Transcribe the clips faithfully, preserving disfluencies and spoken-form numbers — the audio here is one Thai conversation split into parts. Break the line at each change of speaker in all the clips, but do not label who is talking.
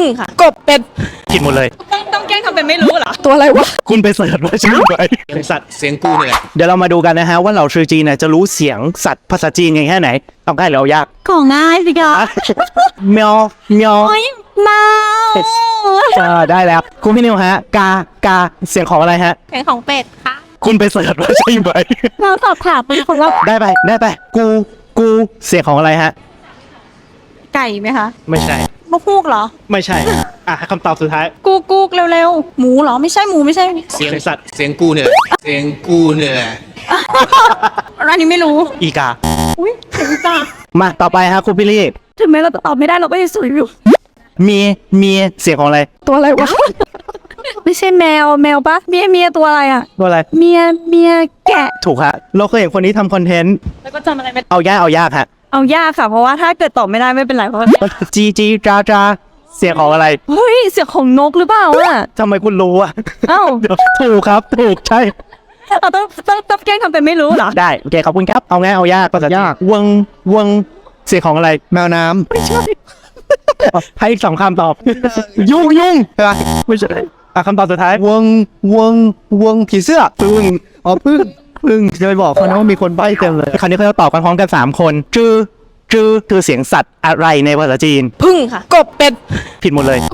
ค่ะกบเป็ด
ผิดหมดเลย
ต้องต้องแกล้งทำเป็นไม่รู้เหรอ
ตัวอะไรวะ
คุณไปเสิร์ชว่าใช่ไหม
เสียงสัตว์เสียงกูเนี่ยแหละ
เดี๋ยวเรามาดูกันนะฮะว่าเหล่าชื่อจีนเนี่ยจะรู้เสียงสัตว์ภาษาจีนกันแค่ไหนต้องใกล้หรือเอายาก
ของง่ายสิคะ
เมียวเมียว
โอ้ยมา
เออได้แล้วคุณพี่นิวฮะกากาเสียงของอะไรฮะ
เสียงของเป็ดค่ะ
คุณไปเสิร์ชว่าใช่ไหม
เราสอบถามไปคนว่า
ได้ไปได้ไปกูกูเสียงของอะไรฮะ
ไก่ไหมคะ
ไม่ใช่
มะพูกเหรอ
ไม่ใช่อ่ะคำตอบสุดท้าย
กูกูกเร็วๆหมูเหรอไม่ใช่หมูไม่ใช่
เสียงสัตว์เสียงกูเนี่ยแหละเสียงกูเนี่ยแหละ
อันนี้ไม่รู้
อีกา
อุ้ยเสียงจ้า
มาต่อไปฮะคุณพี่ลี่
ถึงแม้เราจะตอบไม่ได้เราก็ยังสวยอยู่
เมียเมียเสียงของอะไร
ตัวอะไรวะ ไม่ใช่แมวแมวปะเมียเมียตัวอะไรอ่ะ
ตัวอะไร
เมียเมียแกะ
ถูกฮะเราเคยเห็นคนนี้ทำคอนเทนต์
แล้วก็จำอะไรไม่
เอายากเอายากฮะ
เอายากค่ะเพราะว่าถ้าเกิดตอบไม่ได้ไม่เป็นไรเพราะว่า
จีจีจาจาเสียงของอะไร
เฮ้ยเสียงของนกหรือเปล่าอ่ะ
ทำไมคุณรู้อ่ะ
เอ้า
เดี๋ยวถูกครับถูกใช่
เราต้องต้องต้องแกล้งทำเป็นไม่รู้เหรอ
ได้โอเคขอบคุณครับเอาง่ายเอายากภาษายากวงวงเสียงของอะไร
แมวน้ำ
ไม่ใช่ให้อีกสองคำตอบ ยุ่งยุ่งใช่ปะไม่ใช่อ่ะคำตอบสุดท้ายว
งวงวงผีเสื้อ
พึ่ง
อ๋อพึ่งพึ่งจะไปบอกเขานะว่ามีคนใบ้เต็มเลย
คราวนี้เขาจะตอบกันพร้อมกันสามคนจื้อจื้อคือเสียงสัตว์อะไรในภาษาจีน
พึ่งค่ะกบเป็ด
ผิดหมดเลย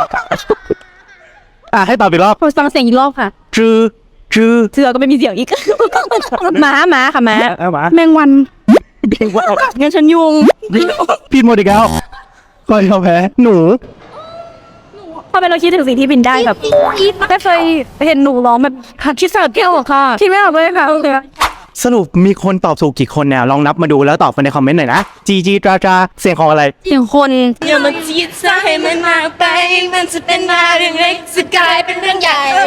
อ่ะให้ตอบอีกรอบ
ขอฟังเสียงอีกรอบค่ะ
จื้อจื้อ
เสือก็ไม่มีเสียงอีก หมาหมาค่ะหมา
เอามา
แมงวัน
เด็กว่า
งั้นฉันยุง
ผิดหมดอีกแล้วก็ยอมแพ้หนู
พอเป็นเราคิดถึงสิ่งที่บินได้แบบไม่เคยเห็นหนูร้องแบบคิดสาแก้วหรอค่ะคิดไม่ออกเลยค่ะโอเค
สรุปมีคนตอบถูกกี่คนเนี่ยลองนับมาดูแล้วตอบมาในคอมเมนต์หน่อยนะจีจีจาจาเสียงของอะไร
เสียงคน
อย่ามาจีดซะให้มันมากไปมันจะเป็นมาเรื่องเล็กจะกลายเป็นเรื่องใหญ่